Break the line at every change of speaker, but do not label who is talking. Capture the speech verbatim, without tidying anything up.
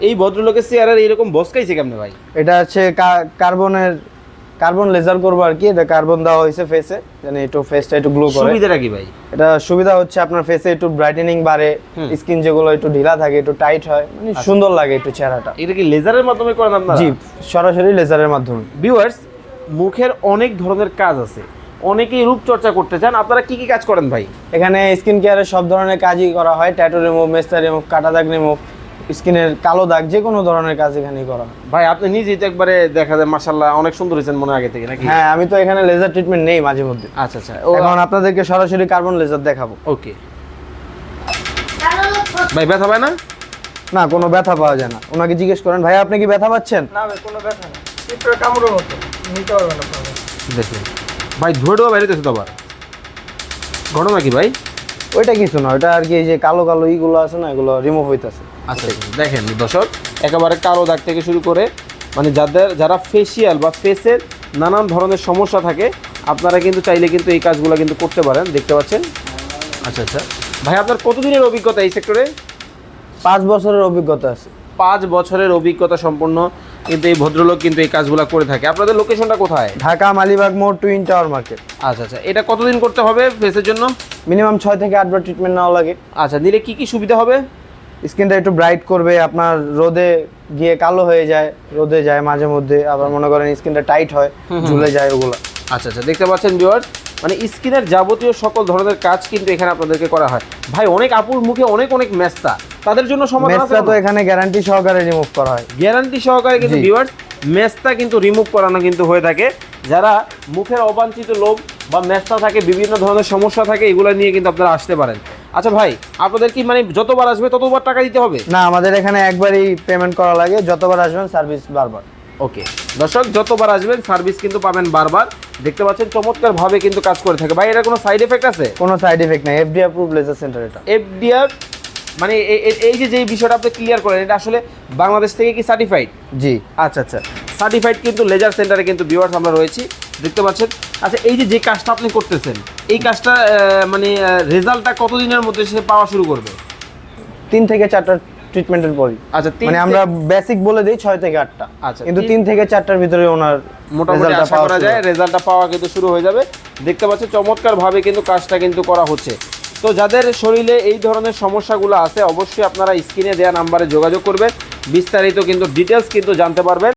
এই ভদ্রলোকের চেহারার এরকম বসকাইছে কেমনে ভাই?
এটা হচ্ছে কার্বনের কার্বন লেজার করবো আর কি। এটা কার্বন দেওয়া হয়েছে ফেসে, মানে একটু ফেসটা একটু গ্লো করে।
সুবিধাটা কি ভাই?
এটা সুবিধা হচ্ছে আপনার ফেসে একটু ব্রাইটেনিং বাড়ে, স্কিন যেগুলো একটু ঢিলা থাকে একটু টাইট হয়, মানে সুন্দর লাগে একটু চেহারাটা।
এটা কি লেজারের মাধ্যমে করেন আপনারা?
জি, সরাসরি লেজারের মাধ্যমে।
ভিউয়ার্স, মুখের অনেক ধরনের কাজ আছে, অনেকেই রূপচর্চা করতে চান, আপনারা কি কি কাজ করেন ভাই?
এখানে স্কিন কেয়ারের সব ধরনের কাজই করা হয়। ট্যাটু রিমুভ, মেস্তা রিমুভ, কাটা দাগ রিমুভ, স্কিনের কালো দাগ, যে কোনো ধরনের কাজ এখানেই করা হয়।
ভাই আপনি নিজেই তো একবারে দেখা যায় মাশাআল্লাহ অনেক সুন্দর হয়েছেন মনে আগে থেকে নাকি?
হ্যাঁ, আমি তো এখানে লেজার ট্রিটমেন্ট নেই মাঝে মধ্যে।
আচ্ছা আচ্ছা,
এখন আপনাদেরকে সরাসরি কার্বন লেজার দেখাবো।
ওকে ভাই, ব্যথা পায় না?
না, কোনো ব্যথা পাওয়া যায় না। ওনাকে জিজ্ঞেস করেন, ভাই আপনি কি ব্যথা পাচ্ছেন?
না ভাই, কোনো ব্যথা নেই, পিঁপড়ার কামড়ের মতো, নিতে পারবেন আপনারা।
দেখুন ভাই, ধুয়ে ধোয়া বেরোতেছে তো আবার, ঘটনা কি ভাই?
ওইটা কিছু না, ওইটা আর কি এই যে কালো কালো ইগুলো আছে না, এগুলো রিমুভ হইতাছে।
আচ্ছা দেখেন দর্শক, একেবারে কালো দাগ থেকে শুরু করে মানে যাদের যারা ফেসিয়াল বা ফেসের নানান ধরনের সমস্যা থাকে, আপনারা কিন্তু চাইলে কিন্তু এই কাজগুলো কিন্তু করতে পারেন, দেখতে পাচ্ছেন। আচ্ছা আচ্ছা ভাই, আপনার কতদিনের অভিজ্ঞতা এই সেক্টরে?
পাঁচ বছরের অভিজ্ঞতা আছে।
পাঁচ বছরের অভিজ্ঞতা সম্পন্ন কিন্তু এই ভদ্রলোক কিন্তু এই কাজগুলো করে থাকে। আপনাদের লোকেশনটা কোথায়?
ঢাকা মালিবাগ মোড়, টুইন টাওয়ার মার্কেট।
আচ্ছা আচ্ছা, এটা কতদিন করতে হবে ফেসের জন্য?
মিনিমাম ছয় থেকে আটবার ট্রিটমেন্ট নেওয়া লাগে।
আচ্ছা, নিলে কি কি সুবিধা হবে?
স্কিনটা একটু ব্রাইট করবে, আপনার রোদে গিয়ে কালো হয়ে যায়, রোদে যায় মাঝে মধ্যে, আবার মনে করেন স্কিনটা টাইট হয়, ঝুলে যায় ওগুলো।
আচ্ছা আচ্ছা, দেখতে পাচ্ছেন ভিউয়ার্স, মানে স্কিনের যাবতীয় সকল ধরনের কাজ কিন্তু এখানে আপনাদেরকে করা হয়। ভাই অনেক আপুর মুখে অনেক অনেক মেস্তা, তাদের জন্য সমাধান আছে?
মেস্তা তো এখানে গ্যারান্টি সহকারে রিমুভ করা হয়।
গ্যারান্টি সহকারে কিন্তু ভিউয়ার্স মেস্তা কিন্তু রিমুভ করানো কিন্তু হয়ে থাকে। যারা মুখের অবাঞ্ছিত লোভ বা মেস্তা থাকে, বিভিন্ন ধরনের সমস্যা থাকে, এগুলো নিয়ে কিন্তু আপনারা আসতে পারেন। আচ্ছা ভাই, আপনাদের কি মানে যতবার আসবে ততবার টাকা দিতে হবে?
না, আমাদের এখানে একবারই পেমেন্ট করা লাগে, যতবার আসবেন সার্ভিস বারবার।
ওকে দর্শক, যতবার আসবেন সার্ভিস কিন্তু পাবেন বারবার। দেখতে পাচ্ছেন চমৎকার ভাবে কিন্তু কাজ করে থাকে। ভাই এটা কোনো সাইড এফেক্ট আছে?
কোনো সাইড এফেক্ট নাই, এফডি অ্যাপ্রুভ লেজার সেন্টার এটা।
এফডিআর মানে এ- এ- এই যে যে বিষয়টা আপনি ক্লিয়ার করেন, এটা আসলে বাংলাদেশ থেকে কি সার্টিফাইড?
জি।
আচ্ছা আচ্ছা, সার্টিফাইড কিন্তু লেজার সেন্টারে কিন্তু ভিউয়ার্স আমরা রয়েছি, দেখতে পাচ্ছেন। আচ্ছা, এই যে যে কাজটা আপনি করতেছেন, এই কাজটা আহ, মানে রেজাল্টটা কতদিনের মধ্যে সে পাওয়া শুরু করবে?
তিন থেকে চারটা ট্রিটমেন্টের পরই।
আচ্ছা, তিন
মানে
থেকে-
আমরা বেসিক বলে দিই ছয় থেকে আটটা,
আচ্ছা,
কিন্তু
তিন-
তিন থেকে চারটার ভিতরে ওনার
মোটামুটি
রেজাল্টটা
আশা
পাওয়া
করা
শুরু
যায়
হয়।
রেজাল্টটা পাওয়া কিন্তু শুরু হয়ে যাবে। দেখতে পাচ্ছেন চমৎকার ভাবে কিন্তু কাজটা কিন্তু করা হচ্ছে। তো যাদের শরীরে এই ধরনের সমস্যাগুলো আছে, অবশ্যই আপনারা স্ক্রিনে দেওয়া নাম্বারে যোগাযোগ করবেন, বিস্তারিত কিন্তু ডিটেলস কিন্তু জানতে পারবেন।